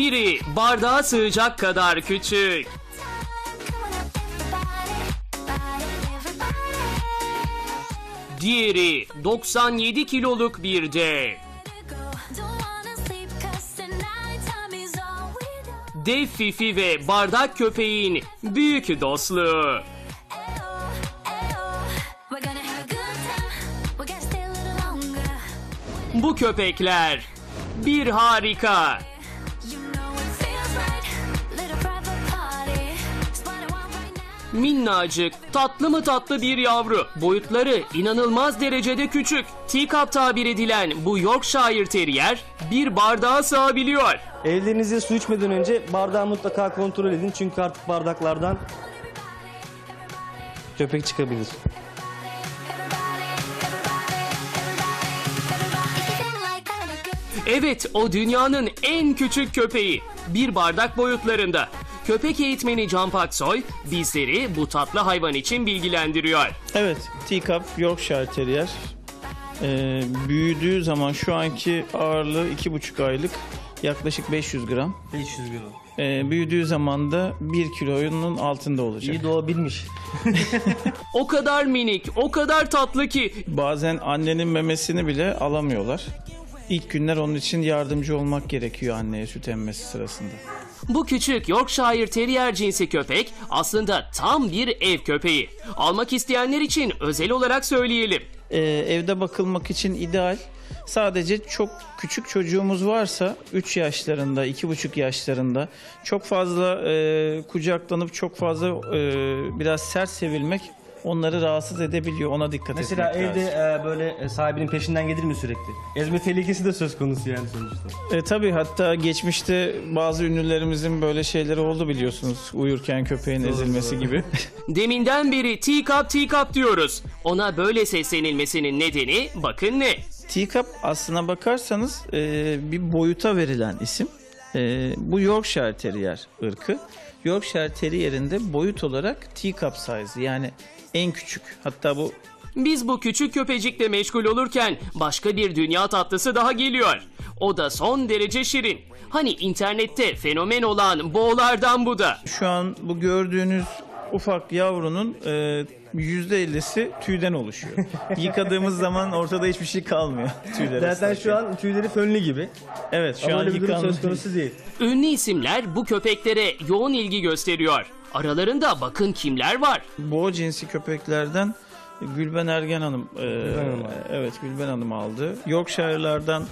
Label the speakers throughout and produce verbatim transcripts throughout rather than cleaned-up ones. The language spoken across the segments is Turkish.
Speaker 1: Biri bardağa sığacak kadar küçük. Diğeri doksan yedi kiloluk bir dev. Dev Fifi ve bardak köpeğin büyük dostluğu. Bu köpekler bir harika. Minnacık, tatlı mı tatlı bir yavru. Boyutları inanılmaz derecede küçük. Teacup tabir edilen bu Yorkshire Terrier bir bardağa sığabiliyor.
Speaker 2: Evlerinizde su içmeden önce bardağı mutlaka kontrol edin. Çünkü artık bardaklardan köpek çıkabilir.
Speaker 1: Evet, o dünyanın en küçük köpeği. Bir bardak boyutlarında. Köpek eğitmeni Can Paksoy bizleri bu tatlı hayvan için bilgilendiriyor.
Speaker 3: Evet, Teacup Yorkshire Terrier. Ee, büyüdüğü zaman şu anki ağırlığı iki buçuk aylık, yaklaşık beş yüz gram.
Speaker 2: beş yüz gram.
Speaker 3: Ee, büyüdüğü zaman da bir kilonun altında olacak.
Speaker 2: İyi doğabilmiş.
Speaker 1: O kadar minik, o kadar tatlı ki.
Speaker 3: Bazen annenin memesini bile alamıyorlar. İlk günler onun için yardımcı olmak gerekiyor anneye süt emmesi sırasında.
Speaker 1: Bu küçük Yorkshire Terrier cinsi köpek aslında tam bir ev köpeği. Almak isteyenler için özel olarak söyleyelim.
Speaker 3: Ee, evde bakılmak için ideal. Sadece çok küçük çocuğumuz varsa üç yaşlarında, iki buçuk yaşlarında çok fazla e, kucaklanıp çok fazla e, biraz sert sevilmek onları rahatsız edebiliyor. Ona dikkat
Speaker 2: Mesela
Speaker 3: etmek
Speaker 2: evde
Speaker 3: lazım.
Speaker 2: e, böyle e, sahibinin peşinden gelir mi sürekli? Ezme tehlikesi de söz konusu yani sonuçta.
Speaker 3: E, tabii hatta geçmişte bazı ünlülerimizin böyle şeyleri oldu biliyorsunuz. Uyurken köpeğin ezilmesi gibi.
Speaker 1: Deminden beri Teacup Teacup diyoruz. Ona böyle seslenilmesinin nedeni bakın ne?
Speaker 3: Teacup aslına bakarsanız e, bir boyuta verilen isim. E, bu Yorkshire Terrier ırkı. Yorkshire Terrier'in de boyut olarak teacup size, yani en küçük. Hatta bu
Speaker 1: Biz bu küçük köpecikle meşgul olurken başka bir dünya tatlısı daha geliyor. O da son derece şirin. Hani internette fenomen olan boğlardan bu da.
Speaker 3: şu an bu gördüğünüz ufak yavrunun e, yüzde ellisi tüyden oluşuyor. Yıkadığımız zaman ortada hiçbir şey kalmıyor. Tüyler
Speaker 2: Zaten
Speaker 3: ıslarken.
Speaker 2: şu an tüyleri fönlü gibi.
Speaker 3: Evet, şu
Speaker 2: Ama
Speaker 3: an
Speaker 2: öyle bir durum
Speaker 3: yıkanmış.
Speaker 2: söz konusu değil.
Speaker 1: Ünlü isimler bu köpeklere yoğun ilgi gösteriyor. Aralarında bakın kimler var.
Speaker 3: Boğa cinsi köpeklerden Gülben Ergen Hanım, e,
Speaker 2: Hanım aldı.
Speaker 3: evet Gülben Hanım aldı. Yorkshire'lardan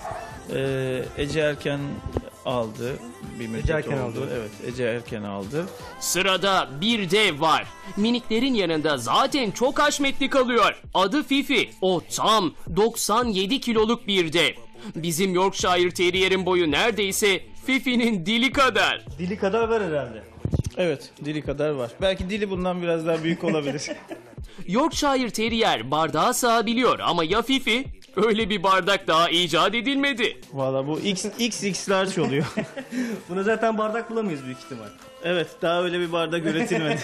Speaker 3: e, Ece Erken aldı. Bir müddet
Speaker 2: Ece Erken
Speaker 3: oldu.
Speaker 2: aldı.
Speaker 3: Evet, Ece Erken aldı.
Speaker 1: Sırada bir dev var. Miniklerin yanında zaten çok haşmetli kalıyor. Adı Fifi. O tam doksan yedi kiloluk bir dev. Bizim Yorkshire Terrier'in boyu neredeyse Fifi'nin dili kadar.
Speaker 2: Dili kadar var herhalde.
Speaker 3: Evet, dili kadar var. Belki dili bundan biraz daha büyük olabilir.
Speaker 1: Yorkshire Terrier bardağa sığabiliyor ama ya Fifi? Öyle bir bardak daha icat edilmedi.
Speaker 3: Valla bu X, X X large oluyor.
Speaker 2: Buna zaten bardak bulamayız büyük ihtimal.
Speaker 3: Evet, daha öyle bir bardak üretilmedi.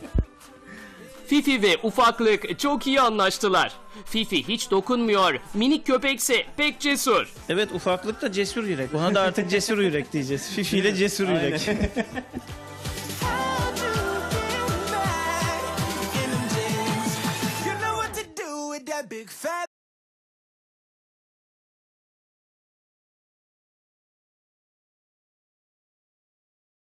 Speaker 1: Fifi ve ufaklık çok iyi anlaştılar. Fifi hiç dokunmuyor, minik köpekse pek cesur.
Speaker 3: Evet, ufaklık da cesur yürek. Ona da artık cesur yürek diyeceğiz. Fifi ile cesur yürek.
Speaker 4: You know what to do with that big fat